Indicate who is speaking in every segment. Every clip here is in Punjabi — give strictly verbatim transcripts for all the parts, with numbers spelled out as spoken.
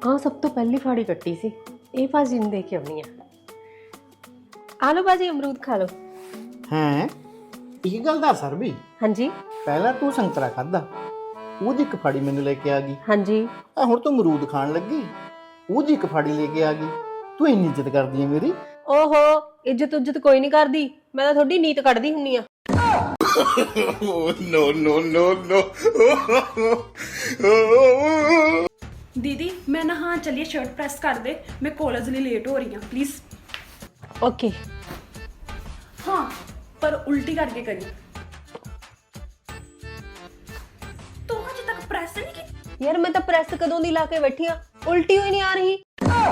Speaker 1: हाँ सब तो पहली फाड़ी कट्टी सी ये भाजी ने दे के आनी है। आ लो भाजी अमरूद खा लो।
Speaker 2: हैं एक गल दस सर भी
Speaker 1: हाँ जी
Speaker 2: पहला तू संतरा खादा ਉਹਦੀ ਇੱਕ ਫਾੜੀ ਮੈਨੂੰ ਲੈ ਕੇ ਆ ਗਈ।
Speaker 1: हाँ जी
Speaker 2: ਆ ਹੁਣ ਤੂੰ ਅਮਰੂਦ ਖਾਣ ਲੱਗੀ ਉਹਦੀ ਇੱਕ ਫਾੜੀ ਲੈ ਕੇ ਆ ਗਈ। ਤੂੰ ਇੰਨੀ ਇੱਜ਼ਤ ਕਰਦੀ ਹੈ ਮੇਰੀ।
Speaker 1: ओहो इज्जत उज्जत कोई नहीं करदी मैं तो थोड़ी नीत कढ़दी हुन्नी आ।
Speaker 2: नो नो नो नो
Speaker 3: दीदी मैं ना हाँ चलिए शर्ट प्रेस कर दे मैं कॉलेज लिए लेट हो रही हूँ प्लीज।
Speaker 1: ओके
Speaker 3: हाँ पर उल्टी करके करी तो अजे तक प्रेस नहीं की।
Speaker 1: यार मैं तो प्रेस कदों दी ला के बैठी हाँ उल्टी हुई नहीं आ रही।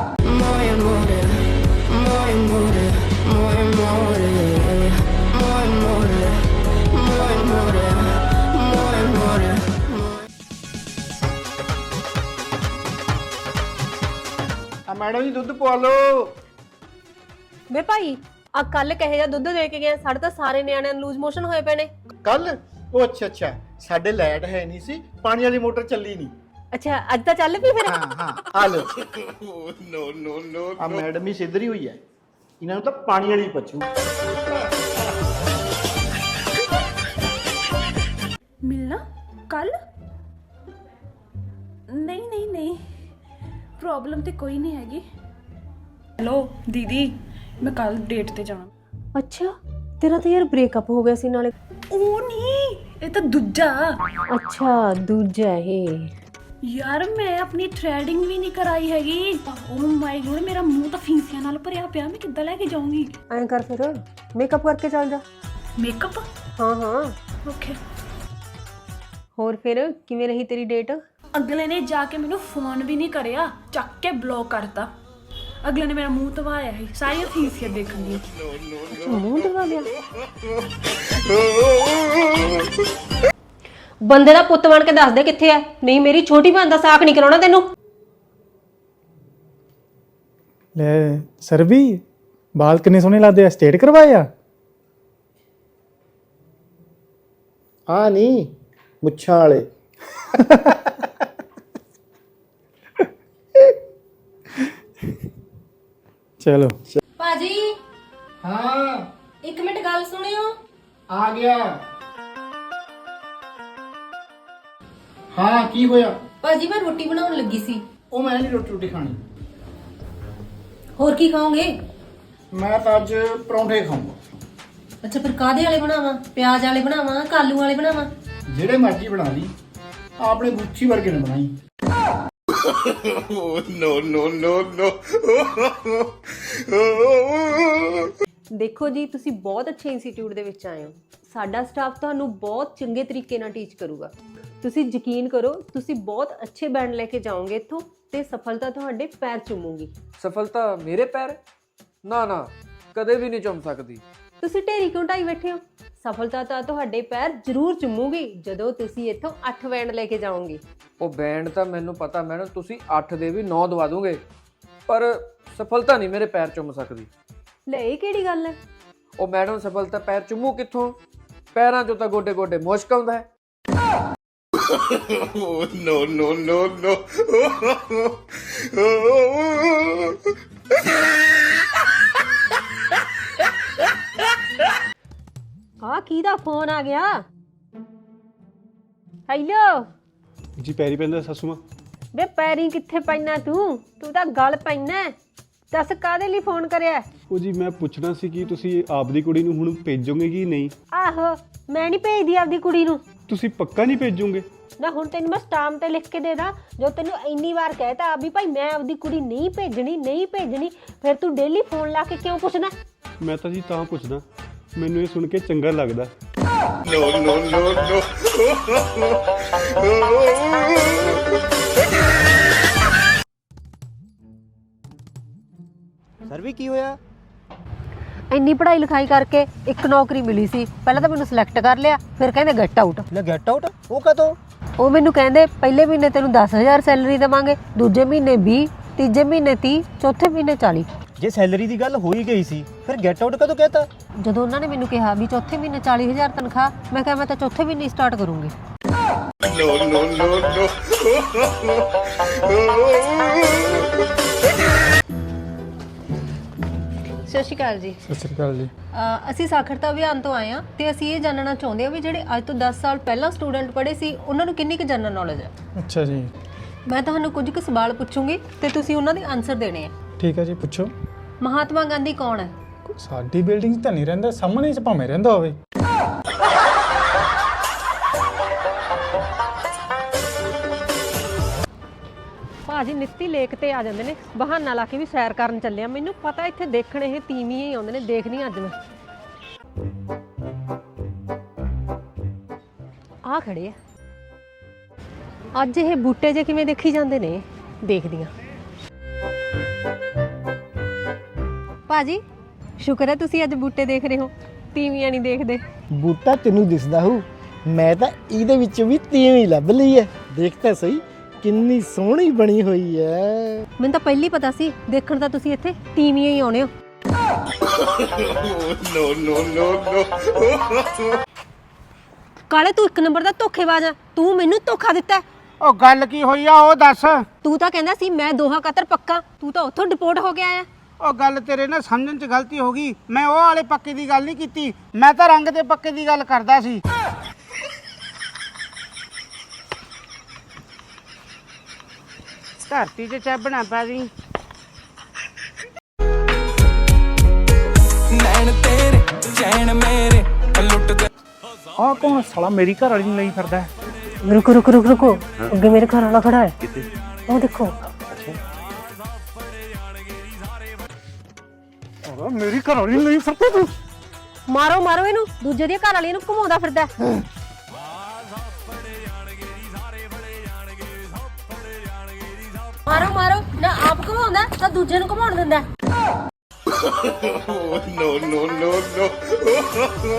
Speaker 2: मैडम जी दुध पवा लो।
Speaker 1: वे भाई आ कल कहे जा दुध दे के गए साढ़े तो सारे न्याणे लूज मोशन होए पे ने।
Speaker 2: कल ओ अच्छा अच्छा साडे लाइट है नहीं सी पानी वाली मोटर चली नहीं।
Speaker 1: अच्छा अज तो चल पी फिर।
Speaker 2: हाँ हाँ आ लो। नो नो नो आ मैडम ही सिद्धरी हुई है इन्होंने तो पानी वाली पचू।
Speaker 3: मिलना कल नहीं नहीं नहीं प्रॉब्लम तो कोई नहीं हैगी। हेलो दीदी मैं कल डेट ते जाना।
Speaker 1: अच्छा तेरा तो यार ब्रेकअप हो गया सी नाले।
Speaker 3: ओ नहीं ये तो दूजा।
Speaker 1: अच्छा दूजा है
Speaker 3: यार मैं अपनी थ्रेडिंग भी नहीं कराई हैगी। ओ माय गॉड मेरा मुंह तो फीसियां नाल भरिया पिया मैं किद्दां लेके जाऊंगी।
Speaker 1: ऐं कर फिर मेकअप करके चल जा।
Speaker 3: मेकअप
Speaker 1: हाँ हाँ
Speaker 3: ओके।
Speaker 1: होर फिर किवें रही तेरी डेट।
Speaker 3: अगले ने जाके मैनू फोन भी नहीं करिया चक के ब्लॉक करता। अगले ने मेरा मुंह धवाया है सारी फीसियां देखन दी।
Speaker 1: मुंह धवा लिया बंदे दा पुੱਤ बन के दस दे किथे है नहीं मेरी छोटी भैन दा साक नहीं कराउणा तैनू।
Speaker 4: ले सर भी बाल किन्ने सोहने लगदे आ स्ट्रेट करवाए आ।
Speaker 2: हाँ नहीं मुच्छां वाले।
Speaker 4: चलो
Speaker 1: भाजी
Speaker 2: हाँ
Speaker 1: एक मिनट गल सुनियो।
Speaker 2: आ गया। हाँ की होया।
Speaker 1: भाजी मैं रोटी बनाउण लगी सी।
Speaker 2: ओ मैं नहीं रोटी रोटी खानी
Speaker 1: होर की खाओगे।
Speaker 2: मैं तो अज परौंठे खाऊंगा।
Speaker 1: अच्छा फिर कादे वाले बनावा प्याज वाले बनावा कालू वाले बनावा।
Speaker 2: जेड़े मर्जी बना ली आपने गुच्छी वर्गे ने बनाई। नो नो नो नो
Speaker 1: ਦੇਖੋ ਜੀ ਤੁਸੀਂ ਬਹੁਤ ਅੱਛੇ ਇੰਸਟੀਚਿਊਟ ਦੇ ਵਿੱਚ ਆਏ ਹੋ। ਸਾਡਾ ਸਟਾਫ ਤੁਹਾਨੂੰ ਬਹੁਤ ਚੰਗੇ ਤਰੀਕੇ ਨਾਲ ਟੀਚ ਕਰੂਗਾ। ਤੁਸੀਂ ਯਕੀਨ ਕਰੋ ਤੁਸੀਂ ਬਹੁਤ ਅੱਛੇ ਬੈਂਡ ਲੈ ਕੇ ਜਾਓਗੇ ਇੱਥੋਂ ਤੇ ਸਫਲਤਾ ਤੁਹਾਡੇ ਪੈਰ ਚੁੰਮੂਗੀ।
Speaker 5: ਸਫਲਤਾ ਮੇਰੇ ਪੈਰ ਨਾ ਨਾ ਕਦੇ ਵੀ ਨਹੀਂ ਚੁੰਮ ਸਕਦੀ।
Speaker 1: ਤੁਸੀਂ ਢੇਰੀ ਕਿਉਂ ਢਾਈ ਬੈਠੇ ਹੋ। ਸਫਲਤਾ ਤਾਂ ਤੁਹਾਡੇ ਪੈਰ ਜ਼ਰੂਰ ਚੁੰਮੂਗੀ ਜਦੋਂ ਤੁਸੀਂ ਇੱਥੋਂ ਅੱਠ ਬੈਂਡ ਲੈ ਕੇ ਜਾਓਗੇ।
Speaker 5: ਉਹ ਬੈਂਡ ਤਾਂ ਮੈਨੂੰ ਪਤਾ ਮੈਡਮ ਤੁਸੀਂ ਅੱਠ ਦੇ ਵੀ ਨੌ ਦਵਾ ਦੋਗੇ ਪਰ ਸਫਲਤਾ ਨਹੀਂ ਮੇਰੇ ਪੈਰ ਚੁੰਮ ਸਕਦੀ।
Speaker 1: ਲੈ ਇਹ ਕਿਹੜੀ ਗੱਲ ਹੈ।
Speaker 5: ਉਹ ਮੈਡਮ ਸਫਲਤਾ ਪੈਰ ਚੁੰਮੂ ਕਿੱਥੋਂ ਪੈਰਾਂ 'ਚੋਂ ਤਾਂ ਗੋਡੇ ਗੋਡੇ ਮੁਸ਼ਕ ਆਉਂਦਾ ਹੈ।
Speaker 2: नो नो नो नो
Speaker 1: ਆ ਕਿਹਦਾ ਫੋਨ ਆ ਗਿਆ। ਹੈਲੋ
Speaker 4: जी पैरी पैंदा सासू मां।
Speaker 1: ਵੇ ਪੈਰੀ ਕਿੱਥੇ ਪੈਣਾ ਤੂੰ ਤੂੰ ਤਾਂ ਗਲ ਪੈਣਾ। ਦੱਸ ਕਾਦੇ ਲਈ ਫੋਨ ਕਰਿਆ।
Speaker 4: ਉਹ ਜੀ ਮੈਂ ਪੁੱਛਣਾ ਸੀ ਕਿ ਤੁਸੀਂ ਆਪਦੀ ਕੁੜੀ ਨੂੰ ਹੁਣ ਭੇਜੋਗੇ ਕਿ ਨਹੀਂ।
Speaker 1: ਆਹੋ ਮੈਂ ਨਹੀਂ ਭੇਜਦੀ ਆਪਦੀ ਕੁੜੀ ਨੂੰ।
Speaker 4: ਤੁਸੀਂ ਪੱਕਾ ਨਹੀਂ ਭੇਜੋਗੇ।
Speaker 1: ਨਾ ਹੁਣ ਤੈਨੂੰ ਮੈਂ ਸਟਾਂਪ ਤੇ ਲਿਖ ਕੇ ਦੇ ਦਾਂ ਜੋ ਤੈਨੂੰ ਇੰਨੀ ਵਾਰ ਕਹਿਤਾ ਵੀ ਭਾਈ ਮੈਂ ਆਪਦੀ ਕੁੜੀ ਨਹੀਂ ਭੇਜਣੀ ਨਹੀਂ ਭੇਜਣੀ ਫਿਰ ਤੂੰ ਡੇਲੀ ਫੋਨ ਲਾ ਕੇ ਕਿਉਂ ਪੁੱਛਣਾ।
Speaker 4: ਮੈਂ ਤਾਂ ਜੀ ਤਾਂ ਪੁੱਛਦਾ ਮੈਨੂੰ ਇਹ ਸੁਣ ਕੇ ਚੰਗਾ ਲੱਗਦਾ।
Speaker 2: No no no no
Speaker 6: sir भी की होया।
Speaker 1: ਇੰਨੀ ਪੜ੍ਹਾਈ ਲਿਖਾਈ ਕਰਕੇ ਇੱਕ ਨੌਕਰੀ ਮਿਲੀ ਸੀ ਪਹਿਲਾਂ ਤਾਂ ਮੈਨੂੰ ਸਿਲੈਕਟ ਕਰ ਲਿਆ ਫਿਰ ਕਹਿੰਦੇ ਗੈਟ ਆਊਟ।
Speaker 6: ले गेट आउट वो कदों।
Speaker 1: ਉਹ ਮੈਨੂੰ ਕਹਿੰਦੇ ਪਹਿਲੇ ਮਹੀਨੇ ਤੈਨੂੰ ਦਸ ਹਜ਼ਾਰ ਸੈਲਰੀ ਦੇਵਾਂਗੇ ਦੂਜੇ ਮਹੀਨੇ ਵੀਹ ਤੀਜੇ ਮਹੀਨੇ ਤੀਹ ਚੌਥੇ ਮਹੀਨੇ ਚਾਲੀ।
Speaker 6: जे सैलरी दी गल हो ही गई सी फिर गेट आउट कदों कहता।
Speaker 1: ਜਦੋਂ ਉਹਨਾਂ ਨੇ ਮੈਨੂੰ ਕਿਹਾ ਵੀ ਚੌਥੇ ਮਹੀਨੇ ਚਾਲੀ ਹਜ਼ਾਰ ਤਨਖਾਹ ਮੈਂ ਕਿਹਾ ਮੈਂ ਤਾਂ ਚੌਥੇ ਮਹੀਨੇ ਸਟਾਰਟ ਕਰੂੰਗੀ। ਸਤਿ ਸ਼੍ਰੀ ਅਕਾਲ ਜੀ।
Speaker 4: ਸਤਿ ਸ਼੍ਰੀ ਅਕਾਲ ਜੀ।
Speaker 1: ਅ, ਅਸੀਂ ਸਾਖਰਤਾ ਅਭਿਆਨ ਤੋਂ ਆਏ ਹਾਂ ਤੇ ਅਸੀਂ ਇਹ ਜਾਣਨਾ ਚਾਹੁੰਦੇ ਹਾਂ ਵੀ ਜਿਹੜੇ ਅੱਜ ਤੋਂ ਦਸ ਸਾਲ ਪਹਿਲਾਂ ਸਟੂਡੈਂਟ ਪੜ੍ਹੇ ਸੀ ਉਹਨਾਂ ਨੂੰ ਕਿੰਨੀ ਕੁ ਜਨਰਲ ਨੌਲੇਜ ਹੈ।
Speaker 4: ਅੱਛਾ ਜੀ,
Speaker 1: ਮੈਂ ਤੁਹਾਨੂੰ ਕੁਝ ਕੁ ਸਵਾਲ ਪੁੱਛੂੰਗੀ ਤੇ ਤੁਸੀਂ ਉਹਨਾਂ ਦੇ ਆਨਸਰ ਦੇਣੇ ਆ।
Speaker 4: ਠੀਕ ਹੈ ਜੀ, ਪੁੱਛੋ।
Speaker 1: ਮਹਾਤਮਾ ਗਾਂਧੀ ਕੌਣ ਹੈ?
Speaker 4: ਸਾਡੀ ਬਿਲਡਿੰਗ 'ਚ ਤਾਂ ਨਹੀਂ ਰਹਿੰਦਾ, ਸਾਹਮਣੇ 'ਚ ਭਾਵੇਂ ਰਹਿੰਦਾ ਹੋਵੇ।
Speaker 1: ਭਾਜੀ ਨਿੱਤੀ ਲੇਕ ਤੇ ਆ ਜਾਂਦੇ ਨੇ, ਬਹਾਨਾ ਲਾ ਕੇ ਵੀ ਸੈਰ ਕਰਨ ਚੱਲੇ ਆ। ਮੈਨੂੰ ਪਤਾ ਇੱਥੇ ਦੇਖਣ ਇਹ ਤੀਵੀਂ ਹੀ ਆਉਂਦੇ ਨੇ, ਦੇਖਦੀ ਅੱਜ ਮੈਂ। ਆ ਖੜੇ ਆ ਅੱਜ, ਇਹ ਬੂਟੇ ਜੇ ਕਿਵੇਂ ਦੇਖੀ ਜਾਂਦੇ ਨੇ, ਦੇਖਦੀ ਆ। ਭਾਜੀ ਸ਼ੁਕਰ ਹੈ ਤੁਸੀਂ ਅੱਜ ਬੂਟੇ ਦੇਖ ਰਹੇ ਹੋ, ਤੀਵੀਆਂ ਨਹੀਂ ਦੇਖਦੇ।
Speaker 2: ਬੂਟਾ ਤੈਨੂੰ ਦਿਸਦਾ ਹੋਊ, ਮੈਂ ਤਾਂ ਇਹਦੇ ਵਿੱਚ ਵੀ ਤੀਵੀਂ ਲੱਭ ਲਈ ਐ। ਦੇਖ ਤਾਂ ਸਹੀ ਕਿੰਨੀ ਸੋਹਣੀ ਬਣੀ ਹੋਈ ਐ।
Speaker 1: ਮੈਨੂੰ ਤਾਂ ਪਹਿਲੀ ਪਤਾ ਸੀ, ਦੇਖਣ ਤਾਂ ਤੁਸੀਂ ਇੱਥੇ ਤੀਵੀਆਂ ਹੀ ਆਉਣੇ ਹੋ।
Speaker 7: ਨੋ ਨੋ ਨੋ ਨੋ
Speaker 1: ਕਾਲੇ ਤੂੰ ਇੱਕ ਨੰਬਰ ਦਾ ਧੋਖੇਬਾਜ਼ ਆ, ਤੂੰ ਮੈਨੂੰ ਧੋਖਾ ਦਿੱਤਾ।
Speaker 8: ਉਹ ਗੱਲ ਕੀ ਹੋਈ ਆ ਉਹ ਦੱਸ।
Speaker 1: ਤੂੰ ਤਾਂ ਕਹਿੰਦਾ ਸੀ ਮੈਂ ਦੋਹਾ ਕਤਰ ਪੱਕਾ, ਤੂੰ ਤਾਂ ਉੱਥੋਂ ਡਿਪੋਰਟ ਹੋ ਕੇ ਆਇਆ।
Speaker 8: ਉਹ ਗੱਲ ਤੇਰੇ ਨਾਲ ਸਮਝਣ 'ਚ ਗਲਤੀ ਹੋ ਗਈ, ਮੈਂ ਉਹ ਵਾਲੇ ਪੱਕੇ ਦੀ ਗੱਲ ਨਹੀਂ ਕੀਤੀ, ਮੈਂ ਤਾਂ ਰੰਗ ਦੇ ਪੱਕੇ ਦੀ ਗੱਲ ਕਰਦਾ ਸੀ। ਧਰਤੀ 'ਚ ਚੱਬਣਾ ਪੈ ਗਈ।
Speaker 9: ਨੈਣ ਤੇਰੇ ਚੈਨ ਮੇਰੇ ਲੁੱਟਦੇ।
Speaker 8: ਆਹ ਕੌਣ ਸਾਲਾ ਮੇਰੀ ਘਰ ਵਾਲੀ ਨੂੰ ਲਈ ਫਿਰਦਾ?
Speaker 1: ਰੁਕੋ ਰੁਕੋ ਰੁਕੋ ਰੁਕੋ, ਅੱਗੇ ਮੇਰੇ ਘਰ ਵਾਲਾ ਖੜਾ ਹੈ। ਉਹ ਦੇਖੋ।
Speaker 8: ਮੇਰੀ ਘਰ ਵਾਲੀ ਨੂੰ ਲਈ ਫਿਰਦਾ ਤੂੰ?
Speaker 1: ਮਾਰੋ ਮਾਰੋ ਇਹਨੂੰ, ਦੂਜੇ ਦੀ ਘਰ ਵਾਲੀ ਨੂੰ ਘੁਮਾਉਂਦਾ ਫਿਰਦਾ। ਮਾਰੋ ਮਾਰੋ, ਨਾ ਆਪ ਘੁਮਾਉਂਦਾ ਤਾਂ ਦੂਜੇ ਨੂੰ ਘੁਮਾਉਣ ਦਿੰਦਾ।
Speaker 7: ਨੋ ਨੋ ਨੋ ਨੋ